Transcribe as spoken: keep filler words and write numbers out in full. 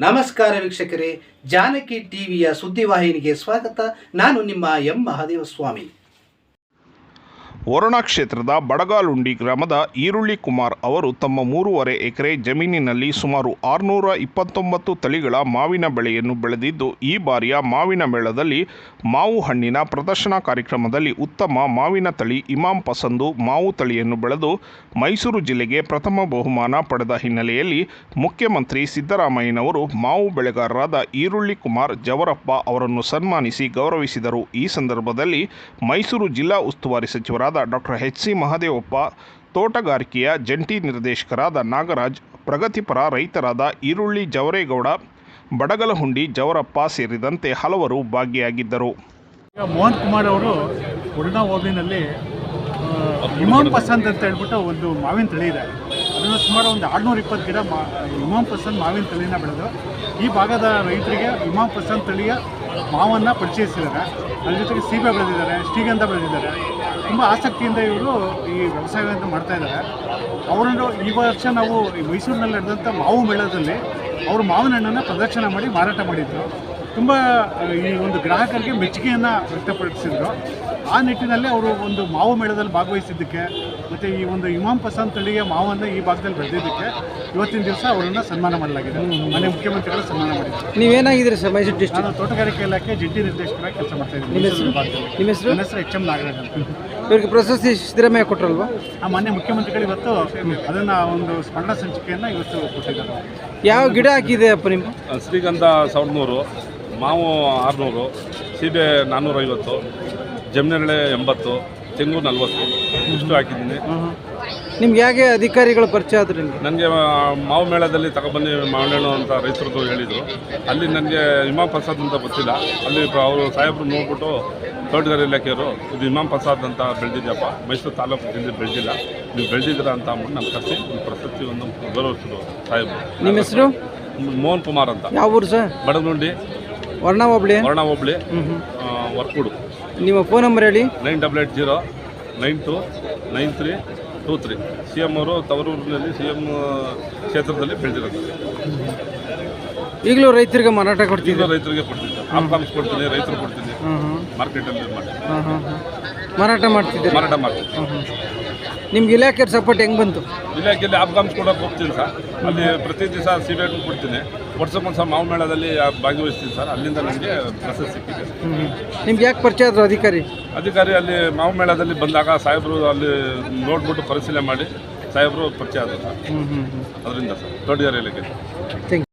ನಮಸ್ಕಾರ ವೀಕ್ಷಕರೇ, ಜಾನಕಿ ಟಿವಿಯ ಸುದ್ದಿವಾಹಿನಿಗೆ ಸ್ವಾಗತ. ನಾನು ನಿಮ್ಮ ಎಂ ಮಹಾದೇವಸ್ವಾಮಿ. ವರುಣಾ ಕ್ಷೇತ್ರದ ಬಡಗಾಲುಂಡಿ ಗ್ರಾಮದ ಈರುಳ್ಳಿ ಕುಮಾರ್ ಅವರು ತಮ್ಮ ಮೂರುವರೆ ಎಕರೆ ಜಮೀನಿನಲ್ಲಿ ಸುಮಾರು ಆರುನೂರ ಇಪ್ಪತ್ತೊಂಬತ್ತು ತಳಿಗಳ ಮಾವಿನ ಬೆಳೆಯನ್ನು ಬೆಳೆದಿದ್ದು, ಈ ಬಾರಿಯ ಮಾವಿನ ಮೇಳದಲ್ಲಿ ಮಾವು ಹಣ್ಣಿನ ಪ್ರದರ್ಶನ ಕಾರ್ಯಕ್ರಮದಲ್ಲಿ ಉತ್ತಮ ಮಾವಿನ ತಳಿ ಇಮಾಂ ಪಸಂದು ಮಾವು ತಳಿಯನ್ನು ಬೆಳೆದು ಮೈಸೂರು ಜಿಲ್ಲೆಗೆ ಪ್ರಥಮ ಬಹುಮಾನ ಪಡೆದ ಹಿನ್ನೆಲೆಯಲ್ಲಿ ಮುಖ್ಯಮಂತ್ರಿ ಸಿದ್ದರಾಮಯ್ಯನವರು ಮಾವು ಬೆಳೆಗಾರರಾದ ಈರುಳ್ಳಿ ಕುಮಾರ್ ಜವರಪ್ಪ ಅವರನ್ನು ಸನ್ಮಾನಿಸಿ ಗೌರವಿಸಿದರು. ಈ ಸಂದರ್ಭದಲ್ಲಿ ಮೈಸೂರು ಜಿಲ್ಲಾ ಉಸ್ತುವಾರಿ ಸಚಿವರಾದ ಡಾಕ್ಟರ್ ಎಚ್ ಸಿ ಮಹದೇವಪ್ಪ, ತೋಟಗಾರಿಕೆಯ ಜಂಟಿ ನಿರ್ದೇಶಕರಾದ ನಾಗರಾಜ್, ಪ್ರಗತಿಪರ ರೈತರಾದ ಈರುಳ್ಳಿ ಜವರೇಗೌಡ, ಬಡಗಲಹುಂಡಿ ಜವರಪ್ಪ ಸೇರಿದಂತೆ ಹಲವರು ಭಾಗಿಯಾಗಿದ್ದರು. ಮೋಹನ್ ಕುಮಾರ್ ಅವರು ವರುಣಾ ಹೋಬಳಿನಲ್ಲಿ ಇಮಾಮ್ ಪಸಂದ್ ಅಂತ ಹೇಳ್ಬಿಟ್ಟು ಒಂದು ಮಾವಿನ ತಳಿ ಇದೆ. ಅದನ್ನು ಸುಮಾರು ಒಂದು ಆರುನೂರ ಇಪ್ಪತ್ತು ಗಿಡ ಮಾ ಇಮಾಮ್ ಪಸಂದ್ ಮಾವಿನ ತಳಿನ ಬೆಳೆದು ಈ ಭಾಗದ ರೈತರಿಗೆ ಇಮಾಮ್ ಪಸಂದ್ ತಳಿಯ ಮಾವನ್ನು ಪರಿಚಯಿಸಿದ್ದಾರೆ. ಅದ್ರ ಜೊತೆಗೆ ಸೀಬೆ ಬೆಳೆದಿದ್ದಾರೆ, ಶ್ರೀಗಂಧ ಬೆಳೆದಿದ್ದಾರೆ. ತುಂಬ ಆಸಕ್ತಿಯಿಂದ ಇವರು ಈ ವ್ಯವಸಾಯವನ್ನು ಮಾಡ್ತಾ ಇದ್ದಾರೆ. ಅವರನ್ನು ಈ ವರ್ಷ ನಾವು ಮೈಸೂರಿನಲ್ಲಿ ನಡೆದಂಥ ಮಾವು ಮೇಳದಲ್ಲಿ ಅವರು ಮಾವಿನ ಹಣ್ಣನ್ನು ಪ್ರದರ್ಶನ ಮಾಡಿ ಮಾರಾಟ ಮಾಡಿದರು. ತುಂಬ ಈ ಒಂದು ಗ್ರಾಹಕರಿಗೆ ಮೆಚ್ಚುಗೆಯನ್ನು ವ್ಯಕ್ತಪಡಿಸಿದರು. ಆ ನಿಟ್ಟಿನಲ್ಲಿ ಅವರು ಒಂದು ಮಾವು ಮೇಳದಲ್ಲಿ ಭಾಗವಹಿಸಿದ್ದಕ್ಕೆ ಮತ್ತು ಈ ಒಂದು ಇಮಾಮ್ ಪಸಂದ್ ತಳಿಯ ಮಾವನ್ನು ಈ ಭಾಗದಲ್ಲಿ ಬೆಳೆದಿದ್ದಕ್ಕೆ ಇವತ್ತಿನ ದಿವಸ ಅವರನ್ನು ಸನ್ಮಾನ ಮಾಡಲಾಗಿದೆ. ಮನೆ ಮುಖ್ಯಮಂತ್ರಿಗಳು ಸನ್ಮಾನ ಮಾಡಿದ್ದಾರೆ. ನೀವೇನಾಗಿದ್ದೀರಿ ಸರ್ ಮೈಸೂರು ಡಿಸ್ಟ್ರಿಕ್ಟ್? ನಾನು ತೋಟಗಾರಿಕೆ ಇಲಾಖೆ ಜಂಟಿ ನಿರ್ದೇಶಕರಾಗಿ ಕೆಲಸ ಮಾಡ್ತಾ ಇದ್ದೀನಿ. ನಿಮ್ಮ ಹೆಸರು? ನಿಮ್ಮ ಹೆಸರು? ನನ್ನ ಹೆಸರು ಎಚ್ ಎಂ ನಾಗರಾಜ್ ಅಂತ. ಇವರಿಗೆ ಪ್ರಶಸ್ತಿ ಸಿದ್ದರಾಮಯ್ಯ ಕೊಟ್ಟರಲ್ವಾ? ಆ ಮಾನ್ಯ ಮುಖ್ಯಮಂತ್ರಿಗಳು ಇವತ್ತು ಅದನ್ನು ಒಂದು ಸ್ಮರಣ ಸಂಚಿಕೆಯನ್ನು ಇವತ್ತು ಕೊಟ್ಟಿದ್ದಾರೆ. ಯಾವ ಗಿಡ ಹಾಕಿದೆ ಅಪ್ಪ ನಿಮ್ಮ? ಶ್ರೀಗಂಧ ಸಾವಿರದ ನೂರು, ಮಾವು ಆರುನೂರು, ಸೀಬೆ ನಾನ್ನೂರೈವತ್ತು, ಜಮನೆರಳೆ ಎಂಬತ್ತು, ತೆಂಗು ನಲ್ವತ್ತು ಇಷ್ಟು ಹಾಕಿದ್ದೀನಿ. ನಿಮ್ಗೆ ಹೇಗೆ ಅಧಿಕಾರಿಗಳು ಪರಿಚಯ ಆದ್ರು ನಿಮಗೆ? ನನಗೆ ಮಾವು ಮೇಳದಲ್ಲಿ ತಗೊಬನ್ನಿ ಮಾವಣ್ಣು ಅಂತ ರೈತರದ್ದು ಹೇಳಿದರು. ಅಲ್ಲಿ ನನಗೆ ಇಮಾಮ್ ಪ್ರಸಾದ್ ಅಂತ ಗೊತ್ತಿಲ್ಲ. ಅಲ್ಲಿ ಅವರು ಸಾಹೇಬರು ನೋಡ್ಬಿಟ್ಟು ತೋಟಗಾರಿಕೆ ಇಲಾಖೆಯವರು ಇದು ಇಮಾಮ್ ಪ್ರಸಾದ್ ಅಂತ ಬೆಳೆದಿದ್ಯಪ್ಪ, ಮೈಸೂರು ತಾಲೂಕಿನಲ್ಲಿ ಬೆಳೆದಿಲ್ಲ, ನೀವು ಬೆಳೆದಿದ್ದೀರ ಅಂತ ಅಂದ್ಬಿಟ್ಟು ನಾನು ಕರೆಸಿ ಪ್ರಶಸ್ತಿ ಒಂದು ಗೌರವಿಸಿದ್ರು ಸಾಹೇಬರು. ನಿಮ್ಮ ಹೆಸರು? ಮೋಹನ್ ಕುಮಾರ್ ಅಂತ. ಯಾವ ಊರು ಸರ್? ಬಡಗಲುಂಡಿ, ವರ್ಣಾ ಹೋಬಳಿ. ವರ್ಣಾ ಹೋಬಳಿ, ವರ್ಕೂಡು. ನಿಮ್ಮ ಫೋನ್ ನಂಬರ್ ಹೇಳಿ. Nine double eight zero nine two nine three two three. C M ಅವರು ತವರೂರಿನಲ್ಲಿ ಸಿ ಎಮ್ ಕ್ಷೇತ್ರದಲ್ಲಿ ಬೆಳೆದಿರೋದು. ಈಗಲೂ ರೈತರಿಗೆ ಮಾರಾಟ ಕೊಡ್ತೀವಿ? ಈಗಲೂ ರೈತರಿಗೆ ಕೊಡ್ತೀನಿ, ಆಪ್ಕಾಮ್ಸ್ ಕೊಡ್ತೀನಿ, ರೈತರು ಕೊಡ್ತೀನಿ, ಮಾರ್ಕೆಟಲ್ಲಿ ಮಾಡಿ ಮಾರಾಟ ಮಾಡ್ತಿದ್ದೀರಿ? ಮಾರಾಟ ಮಾಡ್ತೀನಿ. ನಿಮ್ಗೆ ಇಲಾಖೆ ಸಪೋರ್ಟ್ ಹೆಂಗೆ ಬಂತು? ಇಲಾಖೆಯಲ್ಲಿ ಆಪ್ಕಾಮ್ಸ್ ಕೊಡೋಕೆ ಹೋಗ್ತೀನಿ ಸರ್. ಅಲ್ಲಿ ಪ್ರತಿ ದಿವಸ ಸಿಬೇಟು ಕೊಡ್ತೀನಿ. ವರ್ಷಕ್ಕೊಂದು ಸಹ ಮಾವು ಮೇಳದಲ್ಲಿ ಭಾಗವಹಿಸ್ತೀನಿ ಸರ್. ಅಲ್ಲಿಂದ ನನಗೆ ಪ್ರಶಸ್ತಿ ಸಿಕ್ಕಿದೆ. ನಿಮ್ಗೆ ಯಾಕೆ ಪರಿಚಯ ಆದರು ಅಧಿಕಾರಿ? ಅಧಿಕಾರಿ ಅಲ್ಲಿ ಮಾವು ಮೇಳದಲ್ಲಿ ಬಂದಾಗ ಸಾಹೇಬರು ಅಲ್ಲಿ ನೋಡ್ಬಿಟ್ಟು ಪರಿಶೀಲನೆ ಮಾಡಿ ಸಾಹೇಬರು ಪರಿಚಯ ಆದರು ಸರ್. ಅದರಿಂದ ಸರ್ ತೋಟಗಾರಿಕೆ ಇಲಾಖೆ.